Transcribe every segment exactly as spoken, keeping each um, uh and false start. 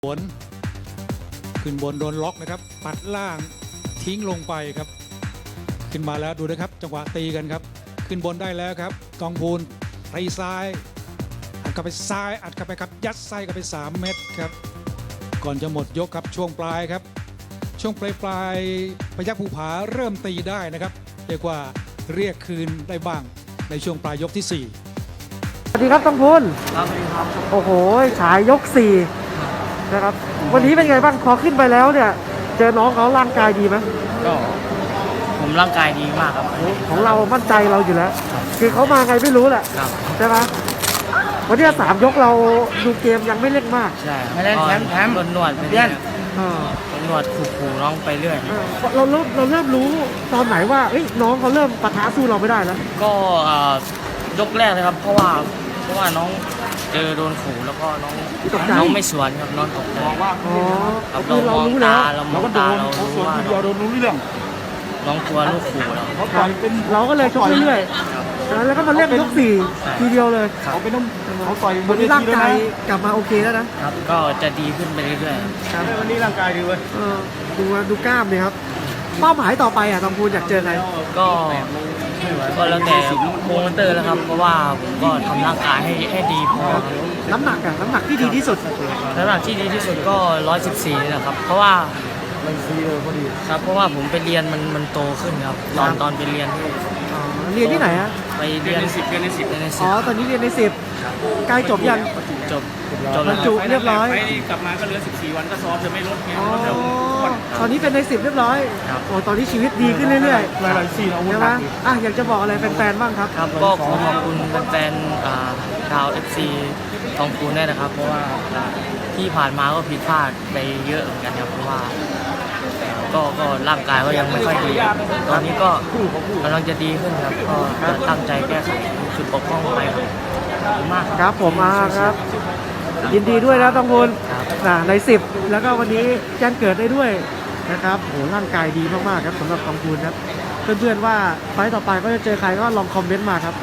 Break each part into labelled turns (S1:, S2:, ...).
S1: สวนขึ้นบนโดนล็อกนะครับปัดล่างทิ้งลงไปครับขึ้นมาแล้วดูนะครับจังหวะตีกันครับขึ้นบนได้แล้วครับกองพูนตีซ้ายอัดกลับไปซ้ายอัดกลับไปครับยัดไส้กลับไปสามเม็ดครับก่อนจะหมดยกครับช่วงปลายครับช่วงปลายปลายพยัคฆ์ภูผาเริ่มตีได้นะครับเรียกว่าเรียกคืนได้บ้างในช่วงปลายยกที่สี่
S2: สวัสดีครับต้องพูน
S3: ครับสวัสดีครับ
S2: โอ้โหฉายยกสี่นะครับวันนี้เป็นไงบ้างพอขึ้นไปแล้วเนี่ยเจอน้องเขาร่างกายดีไหม
S3: ก็ผมร่างกายดีมากครับ
S2: ของเรามั่นใจเราอยู่แล้ว คือเขามาไงไม่รู้แหละใช่ไหมวันนี้สามยกเราดูเกมยังไม่เล่นมาก
S3: ใช่ไม่เล่นแถมแถมโดนหนวดไปเรื่อยโดนหนวดขู่ๆน้องไปเรื่อย
S2: เราเริ่มเราเริ่มรู้ตอนไหนว่าเอ้ยน้องเขาเริ่มปะทะสู้เราไม่ได้แล้ว
S3: ก็ยกแรกเลยครับเพราะว่าเพราะว่าน้องเจอโดนขู่แล้วก็น้องน้องไม่สวนครับน้องตกใจ
S2: ว่า
S3: อ๋อเรามองตาเรามองตาเรารู้ว่า
S2: โดนรู้เรื่อง
S3: น้องตัวลูกขู่เรา
S2: เราก็เลยชกเรื่อยๆแล้วก็มาเล่นยกสี่ทีเดียวเลย
S1: เขาเป็นต้องเขาต่อย
S2: วันนี้ร่างกายกลับมาโอเคแล้วนะครับ
S3: ก็จะดีขึ้นไปเรื่อย
S2: ๆวันนี้ร่างกายดีเว้ยดูดูกล้ามเลยครับเป้าหมายต่อไปอ่ะตองพูนอยากเจอใคร
S3: ก็ก็แล้วแต่โปรโมเตอร์แล้วครับเพราะว่าผมก็ทำร่างกายให้ให้ดีพอ
S2: น้ำหนักอะน้ำหนักที่ดีที่สุด
S3: น้ำหนักที่ดีที่สุดก็ร้อยสิบสี่นี่แหละครับเพราะว่า
S2: มันซีเลยพอดี
S3: ครับเพราะว่าผมไปเรียนมันมันโตขึ้นครับตอนตอนไปเรียน
S2: เรียนที่ไหนอะ
S3: ไปเรียนในสิบเรียนในสิบเรียนในสิบ
S2: อ๋อตอนนี้เรียนในสิบใกล้จบยัง
S3: จบ
S2: จบแล้วจุเรียบร้อย
S3: กลับมาก็เหลือสิบสี่วันก็ซ้อมจะไม่ลดไง
S2: ตอนนี้เป็นในสิบเรียบร้อยโอ้ตอนนี้ชีวิตดีขึ้นเรื่อยๆหลายๆซีนเอาใช่ไหมอ่ะอยากจะบอกอะไรแฟนๆบ้างครับ
S3: ครับก็ขอขอบคุณแฟนๆชาวเอฟซีทองคูนได้นะครับเพราะว่าที่ผ่านมาก็ผิดพลาดไปเยอะเหมือนกันครับเพราะว่าก็ก็ร่างกายก็ยังไม่ค่อยดีตอนนี้ก็กำลังจะดีขึ้นครับก็จะตั้งใจแก้ไขจุดบกพร่องไปครับขอบคุณมาก
S2: ครับผมมาครับยินดีด้วยนะต้องพูนในสิบแล้วก็วันนี้แจ้งเกิดได้ด้วยนะครับโหร่างกายดีมากๆครับสำหรับต้องพูนครับเพื่อนๆว่าไฟต่อไปก็จะเจอใครก็ลองคอมเมนต์มาครับ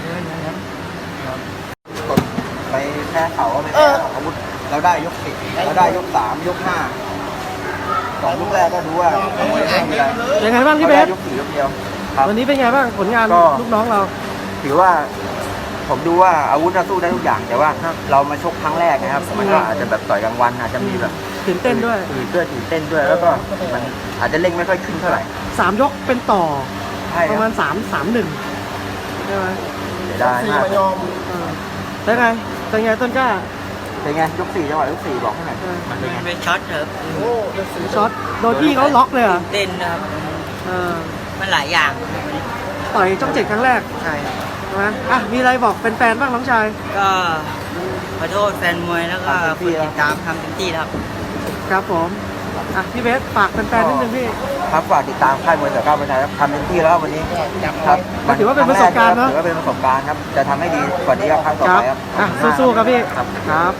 S4: ไปแพ้เขาไปแพ้อาวุธเราได้ยกสิบเราได้ยกสามยกห้าสองยกแรกก็ดูว่า
S2: ยังไงบ้างพี่เบส
S4: ยกสี่ยกเดียว
S2: วันนี้เป็นไงบ้างผลงานลูกน้องเรา
S4: ถือว่าผมดูว่าอาวุธเราสู้ได้ทุกอย่างแต่ว่าเรามาชกครั้งแรกนะครับมันก็อาจจะแบบต่อยกลางวันอาจจะมีแบบ
S2: ตื่นเต้นด้วย
S4: ตื่นเต้นตื่นเต้นด้วยแล้วก็มันอาจจะเร่งไม่ค่อยขึ้นเท่าไหร่
S2: สามยกเป็นต่อประมาณสามสามหนึ่งใช่ไหม
S4: ได้มาก
S2: เป็นไงเป็นไงต้นกล้า
S4: เป็นไงยกสี่จังหวะยกสี่บอกให้หน่อย
S3: มันเป็นช็อตครับ
S2: ช็อตโดนพี่เขาล็อกเลยอ่ะ
S3: เต้นนะครับมันหลายอย่าง
S2: ต่อยจ้องเจ็ดครั้งแรก
S3: ใช่
S2: ใช่ไหมอ่ะมีอะไรบอกแฟนๆบ้างน้องชาย
S3: ก็ขอโทษแฟนมวยแล้วก็ผู้ติดตามทำเต็มที่ครับ
S2: ครับผมอ่ะพี่เบสฝากแฟนๆนิดนึงพี่
S4: ครับฝากติดตามค่ายมวยเสือก้าวเป็นไทยครับทำเต็มที่แล้ววันนี้ครับ
S2: ถือว่าเป็นประสบการณ์เนาะ
S4: ถือว่าเป็นประสบการณ์ครับจะทำให้ดีกว่านี้ครับครั้งต่อไปครับ
S2: อ่ะสู้ๆครับพี่ครับ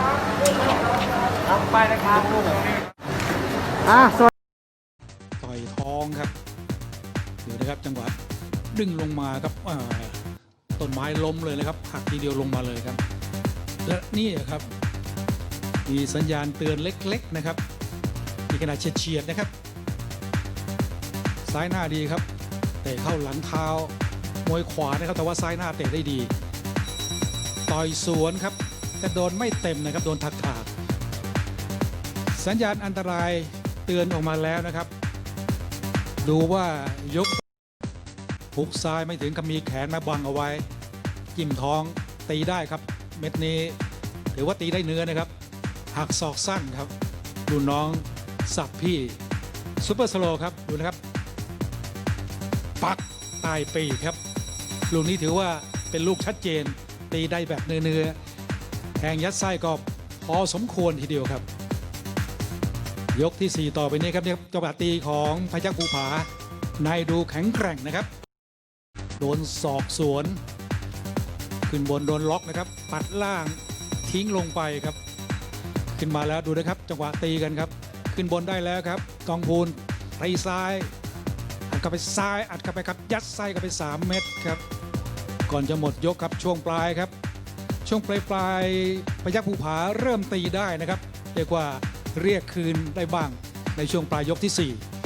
S2: ไปนะครับอ่ะ
S1: ต่อยท้องครับดูนะครับจังหวะดึงลงมาครับต้นไม้ล้มเลยนะครับหักทีเดียวลงมาเลยครับและนี่ครับมีสัญญาณเตือนเล็กๆนะครับมีขนาดเฉียดๆนะครับซ้ายหน้าดีครับเตะเข้าหลังเท้ามวยขวานะครับแต่ว่าซ้ายหน้าเตะได้ดีต่อยสวนครับแต่โดนไม่เต็มนะครับโดนถักถากสัญญาณอันตรายเตือนออกมาแล้วนะครับดูว่ายกหุกซ้ายไม่ถึงกับมีแขนมาบังเอาไว้จิ้มท้องตีได้ครับเม็ดนี้ถือว่าตีได้เนื้อนะครับหักศอกสั้นครับดูน้องสับพี่ซุปเปอร์สโลว์ครับดูนะครับปักใต้ปีกครับลูกนี้ถือว่าเป็นลูกชัดเจนตีได้แบบเนื้อๆแทงยัดไส้ก็พอสมควรทีเดียวครับยกที่สี่ต่อไปนี้ครับเนี่ยจังหวะตีของพยัคฆ์ภูผานายดูแข็งแกร่งนะครับโดนศอกสวนขึ้นบนโดนล็อกนะครับปัดล่างทิ้งลงไปครับขึ้นมาแล้วดูนะครับจังหวะตีกันครับขึ้นบนได้แล้วครับกองพูนตีซ้ายอัดกลับไปซ้ายอัดกลับไปครับยัดไส้กลับไปสามเม็ดครับก่อนจะหมดยกครับช่วงปลายครับช่วงปลายปลายพยัคฆ์ภูผาเริ่มตีได้นะครับเรียกว่าเรียกคืนได้บ้างในช่วงปลายยกที่สี่